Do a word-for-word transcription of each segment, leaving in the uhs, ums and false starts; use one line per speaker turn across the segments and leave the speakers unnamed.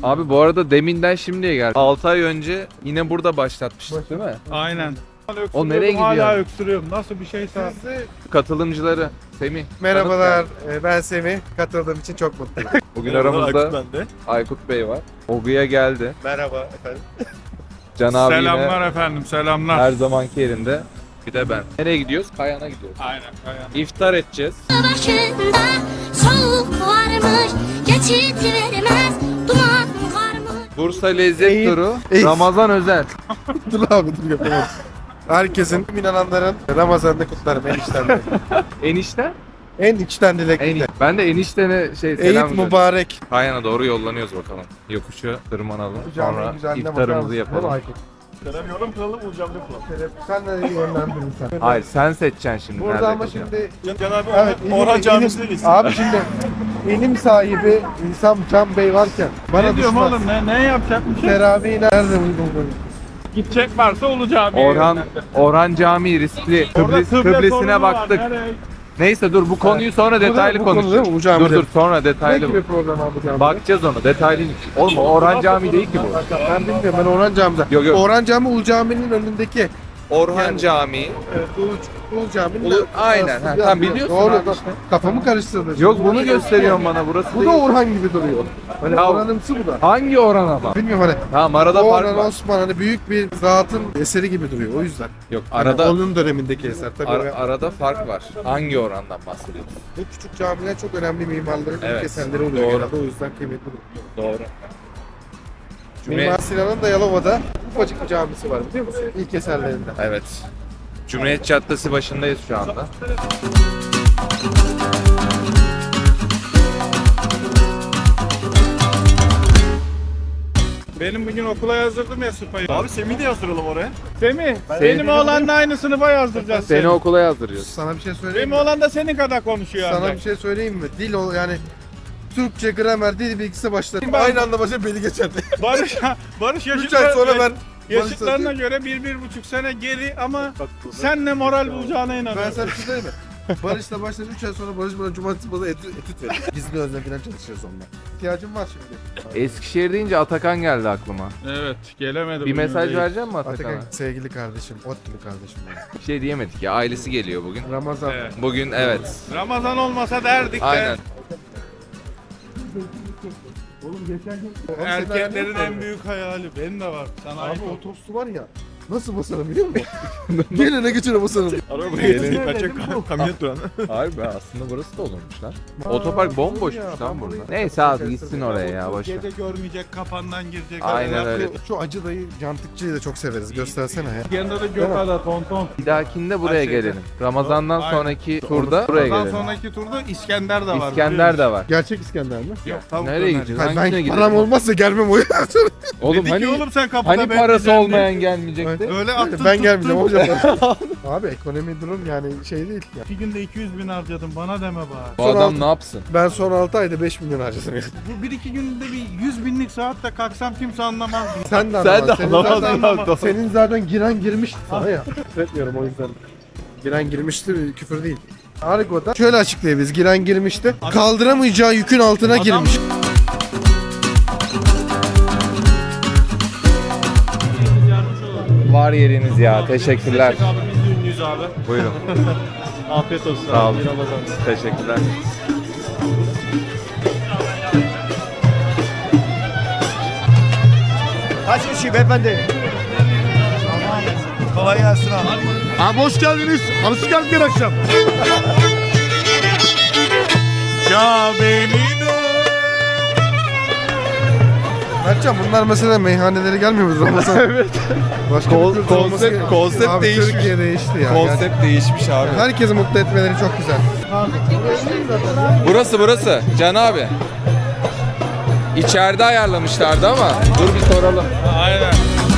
Abi bu arada deminden şimdiye geldi. altı ay önce yine burada başlatmıştık değil mi?
Aynen.
O nereye gidiyor?
Hala öksürüyorum. Nasıl bir şeyse.
Katılımcıları Semih.
Merhabalar, e, ben Semih. Katıldığım için çok mutluyum.
Bugün aramızda Aykut Bey var. Ogu'ya geldi.
Merhaba efendim.
Can abi
Selamlar
yine
efendim, selamlar.
her zamanki yerinde. Bir de ben. Nereye gidiyoruz? Kayan'a gidiyoruz.
Aynen, aynen.
İftar edeceğiz.
Başında soğuk varmış, geçit vermez, duman varmış.
Bursa Lezzet
Eğit-
Turu.
Eğit.
Ramazan özel.
dur abi dur yapamam. Herkesin, tüm inananların Ramazan'da kutlarım eniştemle.
Enişte?
En içten
En
dilekle.
Ben de eniştene şey selam
Eid
gönderiyorum.
mübarek.
Kayan'a doğru yollanıyoruz bakalım. Yokuşu tırmanalım. Sonra iftarımızı yapalım.
Yorum kılalım, Uğurcan ne kılalım?
Sen de yönlendirin sen.
Hayır sen seçeceksin şimdi.
Burada
nerede
ama
kılacağım.
şimdi
Can, Can abi
evet,
Orhan, Orhan
ilim-
Camisi'ne
ilim-
gitsin.
Abi şimdi ilim sahibi İnsan Can Bey varken bana
Ne diyorum
düşmez.
oğlum, ne, ne yapacakmışım?
Teravihi nerede uygun görüyorsun?
Gidecek varsa olacağım.
Orhan Orhan Camii riskli. Kıblis, Kıblesine baktık. Neyse dur bu konuyu sonra detaylı
bu konu değil
konuşuruz.
mi? Bu cami
Dur
değil.
dur sonra
Ne
detaylı.
gibi program abi cami?
Bakacağız onu detaylı. Oğlum o Orhan Camii değil ki bu.
Ben bilmiyorum, ben Orhan Cami'den.
Yok, yok.
Orhan Cami Ulu Cami'nin önündeki.
Orhan
Yani-
Camii.
Evet, Ulu, Ulu Cami'nin
Ulu-
de-
aynen,
arasında
ha,
bir
tamam,
yer.
biliyorsun
Doğru,
abi
doğru.
işte.
Kafamı karıştırdın.
Yok bunu gösteriyorsun bana burası
Bu
değil.
da Orhan gibi duruyor. Hani
Ya-
Orhan'ımsı bu da.
Hangi Orhan ama?
Bilmiyorum hani.
Tamam arada fark
Orhan
var.
Osman hani büyük bir zatın eseri gibi duruyor o yüzden.
Yok
Hani
arada
onun dönemindeki eser tabii.
ara-
o-
arada fark var. Hangi Orhan'dan bahsediyorsun?
Bu küçük camiler çok önemli mimarların
Evet,
ilk eserleri oluyor
doğru.
genelde o yüzden kıymetli.
Doğru.
Mimar Sinan'ın da Yalova'da ufacık bir camisi var biliyor musun? İlk eserlerinden.
Evet. Cumhuriyet Caddesi başındayız şu anda.
Benim bugün okula yazdırdım ya Sıpa'yı.
Abi Semih'i de yazdıralım oraya.
Semih, benim oğlanla aynı sınıfa yazdıracağız
Seni
seni.
okula yazdırıyoruz.
Sana bir şey söyleyeyim
Benim
mi?
oğlan da senin kadar konuşuyor
Sana
ancak.
bir şey söyleyeyim mi? Dil o yani Türkçe, gramer, dil bilgisi başladı.
Ben-
Aynı anda başa beni geçerdi.
Barış, Barış
üç ay
yaşıtlar,
sonra ben
yaşıtlarına göre bir, bir buçuk sene geri ama sen ne moral bulacağına
Ben
inanıyorum.
sana bir şey söyleyeyim mi? Barış'la başladı üç ay sonra Barış bana cumartesi pazar etüt, etüt verir. Gizli özlem falan çalışacağız onunla. İhtiyacım var şimdi.
Eskişehir deyince Atakan geldi aklıma.
Evet, gelemedi.
Bir
bugün
mesaj
değil.
verecek misin
Atakan
Atakan'a?
sevgili kardeşim, ot gibi kardeşim. benim.
Bir şey diyemedik ya ailesi geliyor bugün.
Ramazan.
Evet.
Bugün evet.
Ramazan olmasa derdik de.
Aynen.
Erkeklerin en büyük hayali. Benim de var. Sana
Abi
ait
o
ol.
tostu var ya. Nasıl basarım biliyor musun? Gelene geçene basarım.
Arabaya getirdik, kaçacak kamyonet duran.
Harbi aslında burası da olurmuş lan. Otopark bomboşmuş lan burada. Neyse abi gitsin oraya ya boş ver.
Gece görmeyecek, kafandan girecek.
Aynen öyle.
Şu acı dayı, cantıkçıyı da çok severiz. Göstersene ya.
Yanında da Gökada, tonton.
Bir dahakinde buraya
Ay, şeyde.
gelelim. Ramazan'dan
Aynen.
sonraki turda buraya
Ondan
gelelim.
sonraki turda İskender de var.
İskender de var.
Gerçek İskender mi?
Yok, tavuk
Nereye
döner.
gideceğiz?
Hayır,
Hangisine
ben
gidelim?
param olmazsa gelmem o yüzden.
Oğlum
Dedi
hani
ki oğlum sen kapıda
hani parası
bekleyeceksin
olmayan gelmeyecekti?
Evet.
Öyle attın
ben
tuttun.
gelmeyeceğim hocam. Abi ekonomi durum yani şey değil ya.
İki günde iki yüz bin harcadım bana deme bari.
Bu
Son
adam
altı-
ne yapsın?
Ben son altı ayda beş milyon harcadım.
Bu bir iki günde bir yüz binlik saatte kalksam kimse anlamaz.
Sen de
Sen de
anlamaz. Senin
anlamazsın
zaten,
abi.
senin zaten giren girmişti sana ya. Etmiyorum o yüzden. Giren girmişti küfür değil. Argo'da şöyle açıklayabiliriz. Giren girmişti. Kaldıramayacağı yükün altına
Adam-
girmiş.
Var yeriniz ya. Teşekkürler.
Abi biz de ünlüyüz abi.
Buyurun.
Afiyet olsun.
Sağ olun.
İyi Ramazan.
Teşekkürler.
Kaç kişi beyefendi? Kolay gelsin abi.
Abi hoş geldiniz. Alışık geldin akşam.
Kabe'nin
Mertcan bunlar mesela meyhaneleri gelmiyor mu Ramazan? Evet. Başka
Kon-
bir kültür olması
konsept-
gerekiyor.
konsept
Abi,
değişmiş.
Türkiye değişti ya.
Konsept değişmiş abi.
Yani herkesi mutlu etmeleri çok güzel.
Burası burası. Can abi. İçeride ayarlamışlardı ama dur bir soralım.
Aynen.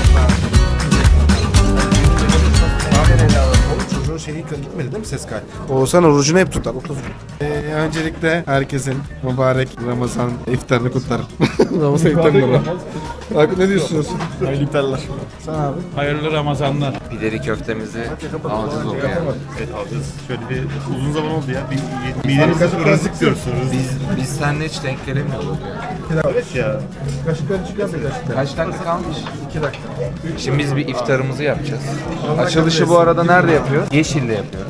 Çocuğun şeyi gitmedi değil mi ses kaydı? Oğuzhan orucunu hep tutar. otuz gün. Ee, öncelikle herkesin mübarek Ramazan iftarını kutlarım. Ramazan iftarını kutlarım. Aykut ne diyorsunuz?
Hayırlı iftarlar.
Sen abi.
Hayırlı Ramazanlar.
Pideli köftemizi alacağız oluyor.
Evet alacağız. Şöyle bir uzun zaman oldu ya. Bir midenizi ırızlık diyorsunuz.
Biz, biz seninle hiç denk gelemiyoruz ya.
Evet ya.
Kaşıkları çıkar mı kaşıklar?
Kaç dakika kalmış?
iki dakika.
Şimdi biz bir iftarımızı yapacağız. Açılışı bu arada nerede yapıyoruz? Yeşil'de yapıyoruz.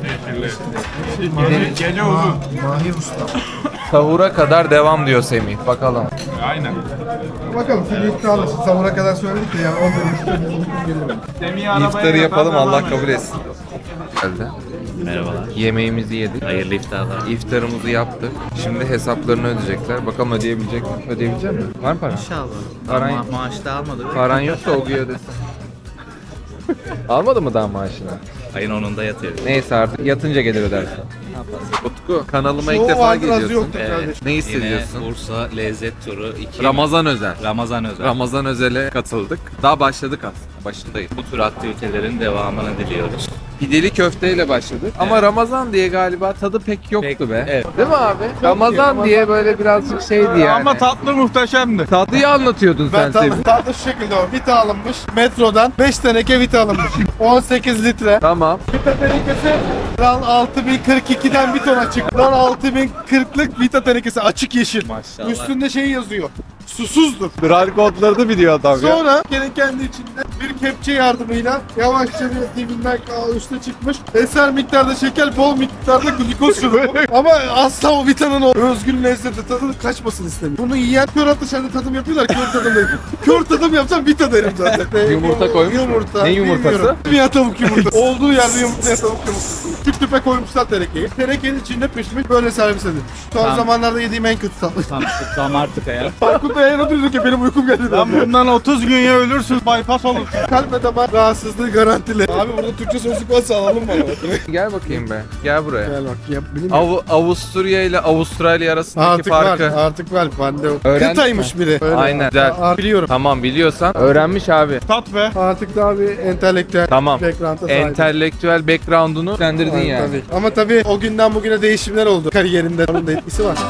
Gece, gece uzun.
Mahir Usta.
Sahura kadar devam diyor Semih. Bakalım.
Aynen.
Bakalım şimdi iddialı. Sahura kadar söyledik de yani on bir geliyor.
İftarı yapalım, Allah kabul etsin. Geldi.
Merhabalar.
Yemeğimizi yedik.
Hayırlı iftarlar.
İftarımızı yaptık. Şimdi hesaplarını ödeyecekler. Bakalım ödeyebilecek mi? Ödeyebilecek mi? Var mı paran?
İnşallah.
Paran-
Ma- maaş da almadık.
Paran yoksa o gün ödesin. Almadı mı daha maaşını?
Ayın onunda yatıyoruz.
Neyse artık yatınca gelir ödersin. Utku kanalıma ilk
Çoğu
defa
vardır, azı
geliyorsun.
yoktur
Evet.
kardeşim.
Ne
Yine
hissediyorsun?
Bursa lezzet turu iki.
Ramazan özel.
Ramazan özel.
Ramazan özele katıldık. Daha başladık aslında. Başındayız.
Bu tür aktivitelerin devamını diliyoruz.
Pideli köfteyle başladık. Ama Ramazan diye galiba tadı pek yoktu
Pek-
be.
evet.
Değil mi abi? Ramazan diye böyle birazcık şeydi yani.
Ama tatlı muhteşemdi.
Tatlıyı anlatıyordun sen
Ben tatlı,
Semih.
tatlı şu şekilde o. Vita alınmış. Metrodan beş teneke vita alınmış. on sekiz litre.
Tamam.
Vita tenekesi RAL altı bin kırk ikiden bir tona çıktı. RAL altı bin kırklık vita tenekesi açık yeşil.
Maşallah.
Üstünde şey yazıyor. Susuzdur.
Bral kodlarını biliyor adam
Sonra gene kendi içinde bir kepçe yardımıyla yavaşça bir dibinden üstüne çıkmış. Eser miktarda şeker, bol miktarda glikoz şurubu. Ama asla o vitanın o özgün lezzeti tadını kaçmasın istemiyor. Bunu yiyen kör dışarıda tadım yapıyorlar, kör tadım değil. Kör tadım yapsam vita derim zaten.
Yumurta koymuş mu?
Yumurta.
Ne yumurtası?
bilmiyorum. Ya tavuk yumurtası. Olduğu yerde yumurta ya tavuk yumurtası. Tüp tüpe koymuşlar terekeyi. Terekenin içinde pişmiş, böyle servis edilmiş. Son
Tamam.
zamanlarda yediğim en kötü tatlı.
Tam, tam artık ya.
Farkında yayına diyorsun ki benim uykum geldi.
Lan bundan otuz gün ya ölürsün, bypass olursun.
Kalp ve damar rahatsızlığı garantili. Abi burada Türkçe sözlük varsa alalım bana.
Gel bakayım be. Gel buraya.
Gel bak ya bilim.
Av Avusturya ile Avustralya arasındaki
Artık
farkı.
var, artık var. Bende o.
Öğrendik
Kıtaymış biri. Öyle.
Aynen. Güzel.
Aa, biliyorum.
Tamam biliyorsan öğrenmiş abi.
Tat be.
Artık daha bir entelektüel
Tamam.
background'a sahibim.
Entelektüel background'unu sendirdin
Aynen,
yani.
tabii. Ama tabii o günden bugüne değişimler oldu kariyerinde. Onun da etkisi var.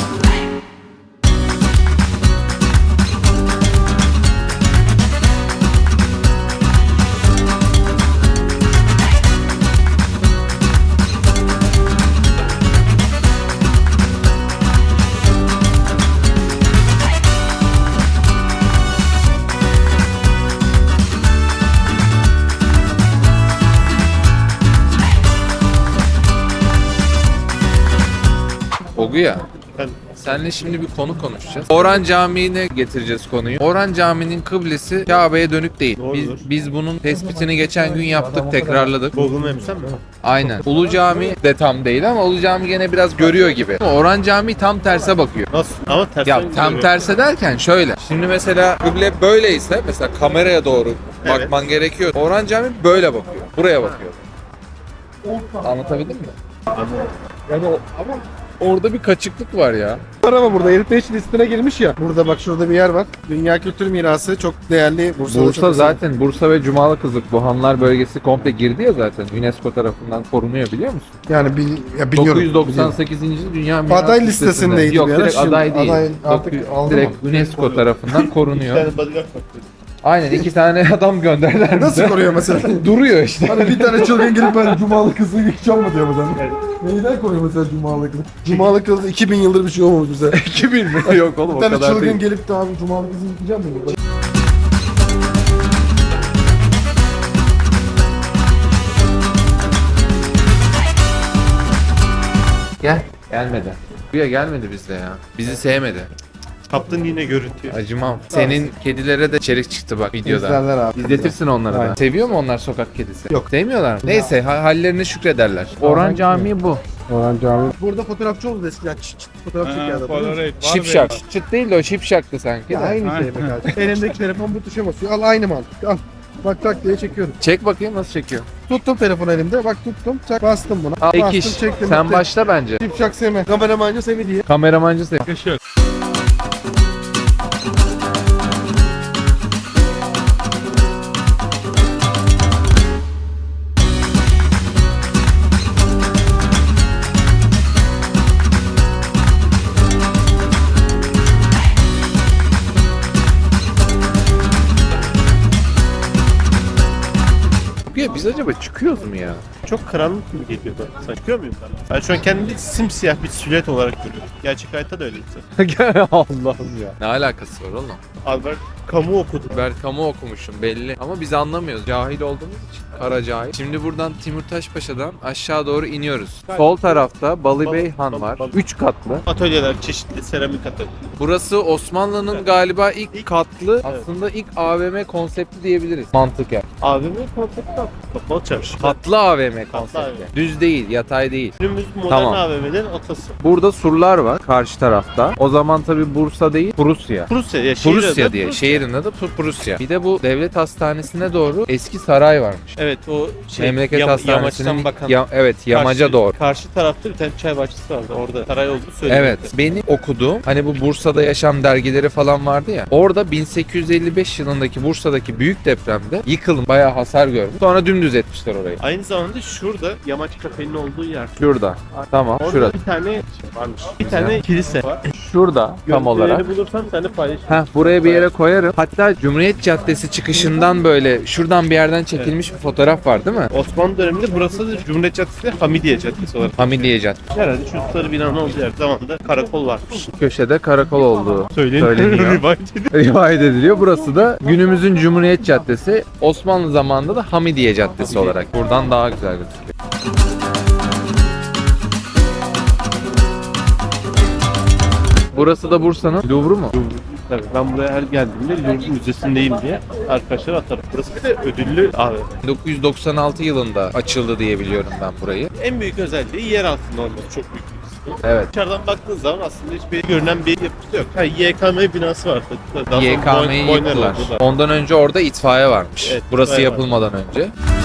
Oguya. Seninle şimdi bir konu konuşacağız. Orhan Camii'ne getireceğiz konuyu. Orhan Camii'nin kıblesi Kabe'ye dönük değil.
Doğrudur.
Biz, biz bunun tespitini geçen gün yaptık, tekrarladık.
Google Maps'ten mi?
Aynen. Ulu Cami de tam değil ama Ulu Cami gene biraz görüyor gibi. Orhan Camii tam terse bakıyor.
Nasıl? Ama ters.
Ya tam terse derken şöyle. Şimdi mesela kıble böyleyse mesela kameraya doğru
Evet.
bakman gerekiyor. Orhan Camii böyle bakıyor. Buraya bakıyor. Anlatabildim mi? Yani o, ama orada bir kaçıklık var ya.
Var ama burada Heritage listine girmiş ya. Burada bak şurada bir yer var. Dünya Kültür Mirası çok değerli. Bursa'da
Bursa
çok
zaten Bursa ve Cumalı Kızık bu Hanlar bölgesi komple girdi ya zaten. UNESCO tarafından korunuyor biliyor musun?
yani bil, ya biliyorum.
dokuz yüz doksan sekizinci. Dünya Miras
Aday listesindeydi
Yok
bir ara,
direkt
şimdi
aday değil.
aday artık
Dokuz-
aldı
direkt UNESCO tarafından
Bir
korunuyor.
tane bodyguard bak.
Aynen iki tane adam gönderdiler bize.
Nasıl koruyor mesela?
Duruyor işte.
Hani bir tane çılgın gelip ben Cumalı kızı yıkacağım mı diyor mesela. Neyden koruyor mesela Cumalı kızı? Cumalı kızı iki bin yıldır bir şey olmamış bize.
iki bin mi? Yok oğlum
Bir
o
tane
kadar
çılgın
değil.
gelip de abi Cumalı kızı yıkacağım mı? diyor.
Gel. Gelmedi. Buraya gelmedi bizde ya. Bizi sevmedi.
Kaptın yine görüntüyü.
Acımam. Senin kedilere de içerik çıktı bak videoda.
İzlerler abi.
İzletirsin onlara da.
Aynen.
Seviyor mu onlar sokak kedisi?
Yok.
Sevmiyorlar mı? Neyse ha- hallerine şükrederler. Orhan Camii bu.
Orhan Camii. Burada fotoğrafçı oldu eskiden. Çıt çıt fotoğraf
Ha,
çekiyordu.
Polaroid var
Şipşak.
be.
Çıt değil de o şipşaktı sanki.
Ya
de.
aynı şey be kardeşim. Elimdeki telefon bu tuşa basıyor. Al aynı mantık. Al. Bak tak diye çekiyorum.
Çek bakayım nasıl çekiyor.
Tuttum telefonu elimde. Bak tuttum. Çak bastım buna.
Al
bastım
ek iş.
çektim.
Sen
bitti.
başla bence.
Şipşak Semi. Kameramancı Semi diye.
Kameramancı sen.
Yakışır.
Utku'ya biz acaba çıkıyoruz mu ya?
Çok karanlık gibi geliyor bana. Sen çıkıyor muyum ben? Ben şu an kendimi simsiyah bir silüet olarak görüyorum. Gerçek hayatta da öyle insan.
Allah'ım ya. Ne alakası var oğlum?
Abi ben kamu okudum.
Ben kamu okumuşum belli. Ama biz anlamıyoruz. Cahil olduğumuz için. Kara cahil. Şimdi buradan Timurtaş Paşa'dan aşağı doğru iniyoruz. Sol tarafta Balıbey Han var. üç katlı.
Atölyeler, çeşitli seramik atölye.
Burası Osmanlı'nın galiba ilk katlı, aslında ilk A V M konsepti diyebiliriz. Mantıken.
A V M konsepti var. Kapalı çarşı.
Katlı A V M
Katlı A V
konsepti.
M.
Düz değil, yatay değil.
Günümüz modern
Tamam.
A V M'lerin atası.
Burada surlar var karşı tarafta. O zaman tabi Bursa değil, Prusya.
Prusya ya şehir
Prusya
adı
diye.
Prusya.
Şehrin adı Pr- Prusya. Bir de bu devlet hastanesine doğru eski saray varmış.
Evet o şey
Memleket
yam-
hastanesinin
yamaçtan bakan.
ya- evet yamaca
karşı,
doğru.
Karşı tarafta bir tane çay bahçesi vardı. Orada saray olduğu söyleniyor.
Evet. Benim okuduğum hani bu Bursa'da yaşam dergileri falan vardı ya. Orada bin sekiz yüz elli beş yılındaki Bursa'daki büyük depremde yıkılın bayağı hasar görmüş. Sonra dümdüz etmişler orayı.
Aynı zamanda şurada yamaç kafenin olduğu yer.
Şurada. Tamam.
Orada
Şurada.
bir tane şey varmış. Bir tane kilise var.
Şurada tam olarak.
Görüntülerini bulursam sen de paylaş.
Heh, buraya bir yere koyarım. Hatta Cumhuriyet Caddesi çıkışından böyle şuradan bir yerden çekilmiş bir fotoğraf var değil mi?
Osmanlı döneminde burası da Cumhuriyet Caddesi, Hamidiye Caddesi olarak.
Hamidiye Caddesi.
Herhalde şu sarı binanın olduğu yer zamanında karakol varmış.
Köşede karakol olduğu
Söyleniyor.
söyleniyor.
Rivayet ediliyor.
Rivayet ediliyor. Burası da günümüzün Cumhuriyet Caddesi. Osmanlı zamanında da Hamidiye Caddesi olarak. Buradan daha güzel gözüküyor. Burası da Bursa'nın Louvre'u mu?
Tabii ben buraya her geldiğimde Louvre Müzesi'ndeyim diye arkadaşlar atarım. Burası bir de ödüllü abi.
bin dokuz yüz doksan altı yılında açıldı diye biliyorum ben burayı.
En büyük özelliği yer altında olması çok büyük bir kısmı.
Evet.
Dışarıdan baktığın zaman aslında hiçbir görünen bir yapısı yok. Ha, Y K M binası var. Daha sonra
Y K M'yi
boy- boyner
yıktılar.
oldu da.
Ondan önce orada itfaiye varmış.
Evet,
Burası
itfaiye
yapılmadan önce.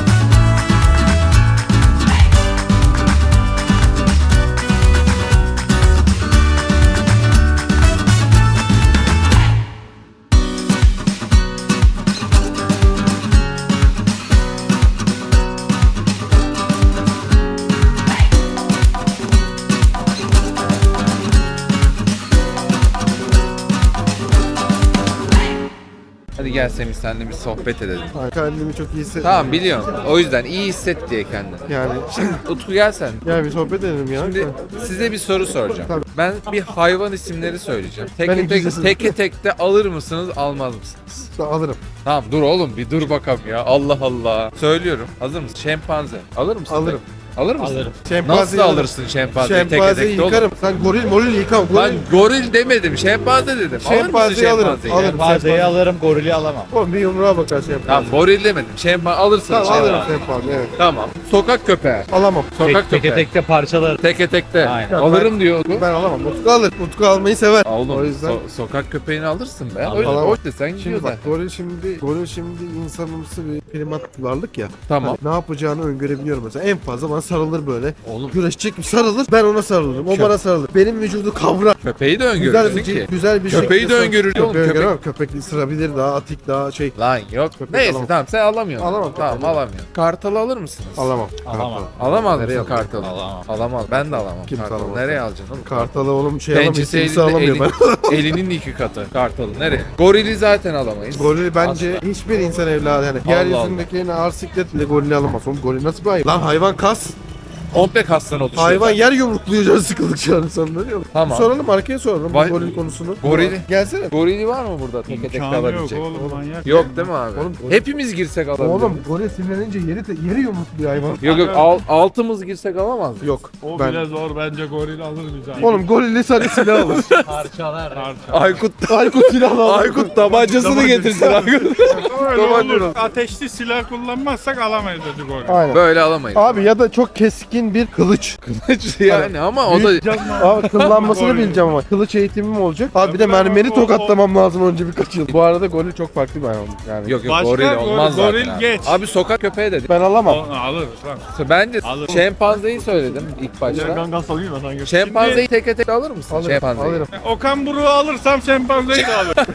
Hadi gel Semih senle bir sohbet edelim.
Kendimi çok iyi hissediyorum.
Tamam biliyorum. O yüzden iyi hisset diye kendini.
Yani
Utku gel sen.
ya bir sohbet edelim ya.
Şimdi size bir soru soracağım.
Tabii.
Ben bir hayvan isimleri söyleyeceğim.
Ben
Teke tek,
İngilizcesini-
teke tek de alır mısınız, almaz mısınız?
Alırım.
Tamam dur oğlum bir dur bakalım ya. Allah Allah. Söylüyorum. Hazır mısın? Şempanze. Alır mısın?
Alırım.
Alır mısın?
Alırım.
Nasıl alırsın şempanzeyi teke
Şempanzeyi
tek de oğlum?
yıkarım. Sen goril moril yıkam.
Lan
Goril.
goril demedim. Şempanze dedim. Alır mısın
Şempanzeyi alırım.
şempanzeyi?
Alırım.
Fazlayı
şempanze.
alırım, gorili alamam.
Oğlum bir yumruğa bakar şempanze.
Tamam goril demedim. Şempanze alırsın.
Tamam
şempanze.
alırım şempanze evet.
Tamam. Sokak köpeği.
Alamam.
Sokak
Tek,
köpeği.
teke tek de parçalarım.
Teke tekte.
Aynen.
Alırım diyor Utku.
Ben alamam. Utku alır. Utku almayı sever.
Oğlum
O yüzden-
so- sokak köpeğini alırsın be.
Alırım.
Öyle
Alamam.
hoş desen gidiyor
Şimdi bak
zaten.
goril şimdi goril şimdi insanımsı bir primat varlık ya.
Tamam.
Ne yapacağını öngörebiliyorum mesela. En fazla bana sarılır böyle.
Oğlum
Güreşecek mi sarılır. Ben ona sarılırım. O
Kö-
bana sarılır. Benim vücudu kavrar.
köpeği de
Güzel
öngörürsün
bir,
ki.
güzel bir
Köpeği
şekilde
de
sar-
öngörür oğlum,
Köpeği
köpek.
öngöremem. Köpek ısırabilir daha atik daha şey.
Lan yok.
Köpek
Neyse
alamam.
tamam sen alamıyorsun.
Alamam,
Tamam
köpeği.
alamıyorum. Kartalı alır mısınız?
Alamam.
Alamam.
Alamaz
Nereye
mısın
alayım?
kartalı?
Alamam.
Alamaz. Ben de alamam.
Kimse
Kartalı.
alamaz.
Nereye alacaksın oğlum?
Kartalı oğlum şey alamayız.
Pençesi
Kimse
elinde,
alamıyor ben.
elin, elinin iki katı. Kartalı. Nereye? Gorili zaten alamayız.
Gorili bence hiçbir insan evladı yani.
Allah
Yeryüzündeki en ağır sikletle gorili alamaz. Oğlum goril nasıl bir hayvan? Lan hayvan kas.
Komple kastan oluşuyor.
Hayvan
zaten.
yer yumrukluyor can sıkıldıkça insanları. Yok.
Tamam.
Soralım arkaya soralım bu
Vay-
goril konusunu.
Gorili.
Gelsene.
Gorili var mı burada teke tek
İmkanı yok
alabilecek?
oğlum manyak.
Yok değil mi abi?
Oğlum, goril-
Hepimiz girsek alabiliriz.
Oğlum goril sinirlenince yeri, de- yeri yumrukluyor hayvan.
Yok yok al, altımız girsek alamaz mıyız?
Yok.
O
ben...
bile zor bence goril alır bizi.
Oğlum gorille sadece silah alır.
Parçalar.
Aykut
Aykut silahla alır.
Aykut tabancasını getirsin Aykut.
Öyle
Tabanca
olur.
olur.
Ateşli silah kullanmazsak alamayız dedi goril.
Aynen.
Böyle alamayız.
Abi ya da çok keskin bir kılıç.
yani ama o da
Abi kıllanmasını
Goril.
bileceğim ama. Kılıç eğitimim olacak. Abi bir de
Tabii,
mermeri
o-
tokatlamam lazım önce birkaç yıl. Bu arada goril çok farklı bir hayvan. Yani.
yok yok
Başka
goril
gor-
olmaz
goril
zaten abi.
geç.
Abi sokak köpeği dedik.
Ben alamam.
O- Alırız lan.
Bence
Alır.
şempanzeyi söyledim ilk başta.
Gangan salayım mı sen?
Şempanzeyi teke tek alır mısın?
Alırım.
Şempanzeyi.
Alırım.
Okan Buruk'u alırsam şempanzeyi de alırım.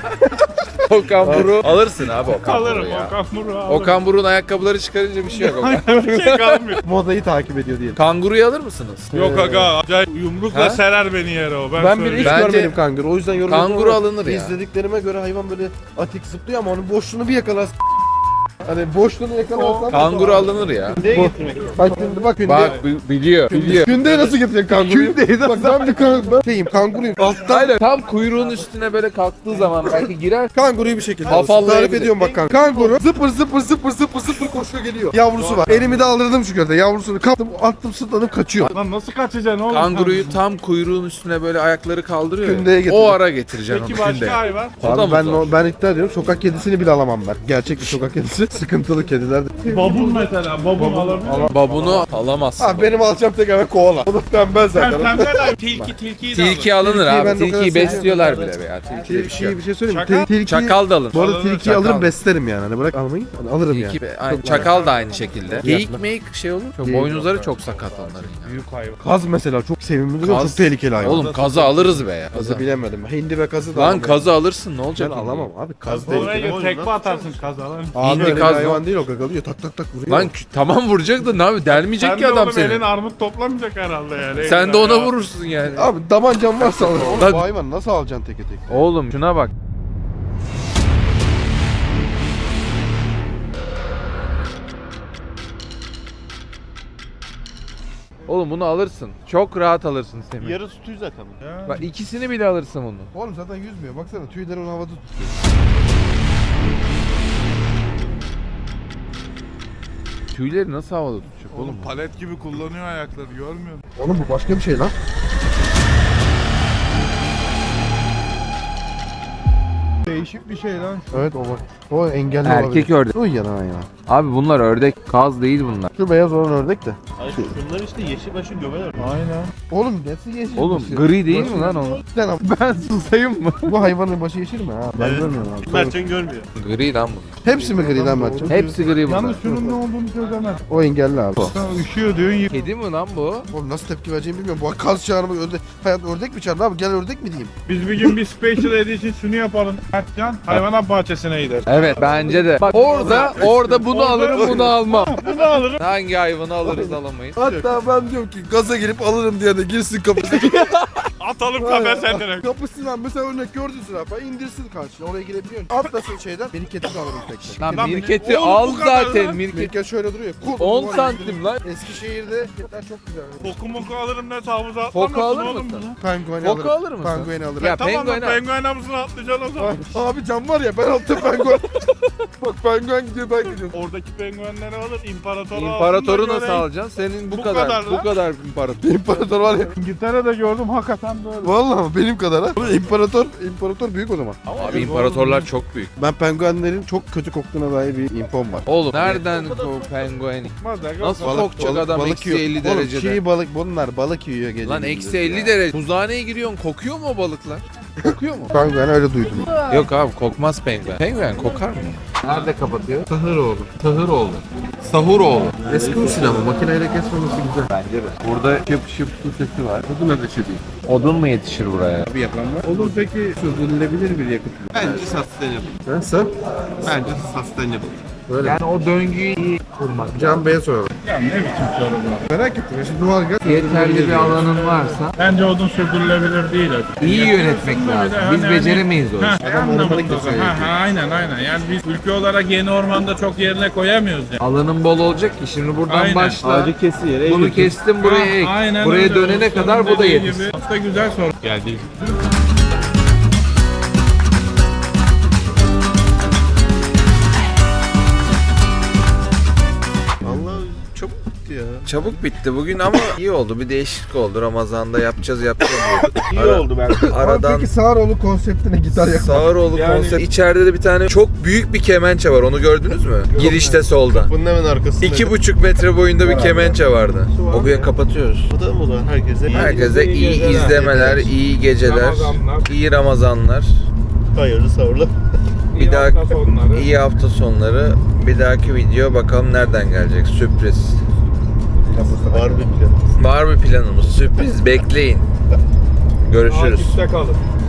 Okan Buruk alırsın abi Okan
alırım
Buruk'u ya.
Okan Buruk'u alırım.
Okan Buruk'un ayakkabıları çıkarınca bir şey yok Okan.
bir şey kalmıyor.
Modayı takip ediyor diyelim.
Kanguruyu alır mısınız?
Yok aga acayip yumrukla
Ha?
serer beni yere o. Ben,
Ben bir hiç
söyleyeyim.
Bence-
görmedim kanguru. O yüzden yorum
Kanguru
yapamam.
alınır ya.
İzlediklerime göre hayvan böyle atik zıplıyor ama onun boşluğunu bir yakalar. Hani boşluğunu yakalarsam.
Kanguru alınır ya.
Neye getirmek?
Bak şimdi bak.
Bak bi- biliyor. Biliyor.
Kündeye nasıl getirecek kanguruyu?
Kündeye
Bak ben bir kanguru. Ben şeyim kanguruyum. Alttan
Aynen. Tam kuyruğun üstüne böyle kalktığı zaman belki girer.
kanguruyu bir şekilde
Afallayabilir.
tarif ediyorum bak kanka. Kanguru zıpır zıpır zıpır zıpır zıpır koşuyor geliyor. Yavrusu var. Elimi de aldırdım şu körde. Yavrusunu kaptım attım sırtlanıp kaçıyor.
Lan nasıl kaçacaksın oğlum?
Kanguruyu tam kuyruğun üstüne böyle ayakları kaldırıyor ya.
Kündeye getir.
O ara getireceksin
Peki
onu
başka
kündeye.
hayvan?
O da
Abi
mı
ben,
zor?
o- ben iddia ediyorum sokak kedisini bile alamam ben. Gerçek bir sokak kedisi. Sıkıntılı kediler de.
Babun mesela. Babun alabilir.
Babunu alamazsın.
Abi benim alacağım tek eve koala. O da tembel
Sen
zaten.
pembe de tilki tilkiyi de
Tilki
alır.
alınır
Tilkiyi ben
abi.
de o kadar
Tilkiyi
seviyorum.
besliyorlar bile be ya. Tilkiye bir şey
Tilkiyi
yok.
bir şey söyleyeyim mi?
Çakal?
Tilki,
Çakal da alır.
Bu arada
Alınır,
tilkiyi
çakal.
alırım beslerim yani. Hani bırak almayı. Hani alırım yani.
Tilki, aynı, çakal da aynı şekilde. Geyik meyik şey olur. Çok
Geyik
boynuzları çok sakat onların ya.
Büyük hayvan.
Kaz mesela çok sevimli duruyor.
Kaz-
Çok tehlikeli hayvan.
Oğlum kazı alırız be ya.
Kazı
Kazı.
bilemedim. Hindi ve kazı da
Lan
alamam.
kazı alırsın ne olacak?
Ben
şimdi?
alamam abi. Kaz
değil.
Oraya
değil.
gö- tekme atarsın kazalan.
Abi
Hindi
öyle bir
kaz
hayvan değil o gagalıyor. Tak tak tak vuruyor.
Lan kü- tamam vuracak da ne abi delmeyecek
Sen
ki
de
adam
oğlum
seni.
elin armut toplamayacak herhalde yani.
Sen de ona
Ya.
vurursun yani.
Abi tabancan varsa alırım. Oğlum
Lan-
bu hayvan nasıl alacaksın teke tek?
Oğlum şuna bak. Oğlum bunu alırsın. Çok rahat alırsın Semih.
Yarısı tüy zaten.
Ya.
Bak ikisini bile alırsın bunu.
Oğlum zaten yüzmüyor. Baksana tüyleri onu havada tutuyor.
Tüyleri nasıl havada tutacak oğlum? bu?
Palet gibi kullanıyor ayakları görmüyor musun?
Oğlum bu başka bir şey lan.
Değişik bir şey lan.
Evet o bak. O engelli
Erkek
olabilir.
ördek.
Uy yanan ya.
Abi bunlar ördek, kaz değil bunlar.
Şu beyaz olan ördek de.
Ay şunlar işte yeşil başı göbeler.
Aynen.
Oğlum nasıl yeşil?
Oğlum
başı?
gri değil
Başı-
mi lan o?
Sen abi,
Ben susayım mı?
bu hayvanın başı yeşil mi ha? Ben
Evet.
görmüyorum abi.
Mertcan görmüyor.
Gri lan bu.
Hepsi mi gri lan Mertcan?
Hepsi gri bunlar.
Yalnız şunun ne olduğunu çözemez.
O engelli abi.
Sen üşüyor diyorsun.
Kedi mi lan bu?
Oğlum nasıl tepki vereceğimi bilmiyorum. Bu kaz çağırma ördek. Hayat ördek mi çağırdı abi? Gel ördek mi diyeyim?
Biz bir gün bir special edition şunu yapalım. Mertcan hayvanat bahçesine gider.
Evet bence de. Bak orada orada bunu
Orada-
alırım bunu almam.
Bunu alırım.
Hangi hayvanı alırız alamayız.
Hatta ben diyorum ki gaza girip alırım diye de girsin kapısına.
Atalım kafese direkt.
Kapısından mesela örnek gördün zürafa indirsin karşına oraya girebiliyorsun. Atlasın şeyden mirketi de alırım tekrar.
Lan
Lan
mirketi
oğlum
al
bu kadar
zaten
lan.
mirket.
Mirket şöyle duruyor. Kul,
on
duvar
santim
yüzünü-
lan.
Eskişehir'de mirketler çok güzel.
Boku moku alırım ne havuza
Foku
atlamazsın
alır
oğlum
mısın?
bunu.
Pengueni
Foku
alırım.
alır mısın?
Pengueni alırım.
Ya
Tamam
penguen
lan
al.
penguen havuzuna atlayacaksın o zaman.
Abi cam var ya ben altta penguen. Bak penguen gidiyor ben gidiyorum.
Oradaki penguenleri alır imparatoru
İmparatoru
alsın da
nasıl
göreyim.
alacaksın? Senin bu,
Bu
kadar,
kadar
bu
lan.
kadar imparator.
İmparator var ya.
İngiltere'de gördüm hakikaten böyle.
Vallahi mi? Benim kadar ha. İmparator, imparator büyük o zaman.
Abi imparatorlar çok büyük.
Ben penguenlerin çok kötü koktuğuna dair bir infom var.
Oğlum nereden bu penguen? Nasıl kokacak adam eksi elli
Oğlum
derecede?
çiğ balık bunlar balık yiyor gece.
Lan eksi elli derece. Buzhaneye giriyorsun kokuyor mu o balıklar? Kokuyor mu?
Penguen öyle duydum.
Yok abi kokmaz penguen. Penguen kokar mı? Nerede kapatıyor? Sahuroğlu. Sahuroğlu. Sahuroğlu.
Eski usul ama makineyle kesmemesi güzel.
Bence de. Burada şıp şıp su sesi var. Odun ateşi değil. Odun mu yetişir buraya?
Bir yapan var. Olur peki sürdürülebilir bir yakıt mı?
Bence sustainable.
Nasıl?
Bence sustainable.
Böyle.
Yani o döngüyü iyi kurmak.
Can Bey'e soralım.
Ya ne biçim soru bu?
Merak ettim. Ya şimdi doğalgaz.
Yeterli bir alanın varsa
Bence odun sürdürülebilir değil. artık.
iyi
Yani
yönetmek
aslında
lazım.
bir de
Biz
hani-
beceremeyiz o
Ha,
işi.
Adam
ormanlık da söylüyor.
Ha, ha, aynen aynen. Yani biz ülke olarak yeni ormanda çok yerine koyamıyoruz yani.
Alanın bol olacak ki şimdi buradan
Aynen.
başla.
kesi yere
Bunu kestim buraya ek.
Ha, aynen
Buraya
öyle.
dönene
Ustanın
kadar bu da
dediği
yetişsin.
gibi. Aslında güzel soru geldi.
Allah çok bitti ya.
Çabuk bitti bugün ama iyi oldu. Bir değişiklik oldu. Ramazan'da yapacağız yapacağız.
İyi oldu bence.
Aradan
Peki Sağıroğlu konseptine gitar yapmak.
Sağıroğlu
Yani-
konsept. İçeride de bir tane çok büyük bir kemençe var. Onu gördünüz mü? Girişte solda.
Bunun hemen arkasında.
İki buçuk metre boyunda bir kemençe vardı. Okuya kapatıyoruz.
O da mı olan herkese?
Herkese iyi izlemeler, iyi geceler,
Ramazanlar.
iyi Ramazanlar.
Hayırlı savurlu.
Bir daha
hafta sonları.
iyi hafta sonları. Bir dahaki video bakalım nereden gelecek. Sürpriz.
Var bir plan.
Var bir planımız. Sürpriz. Bekleyin. Görüşürüz.
Takipte kalın.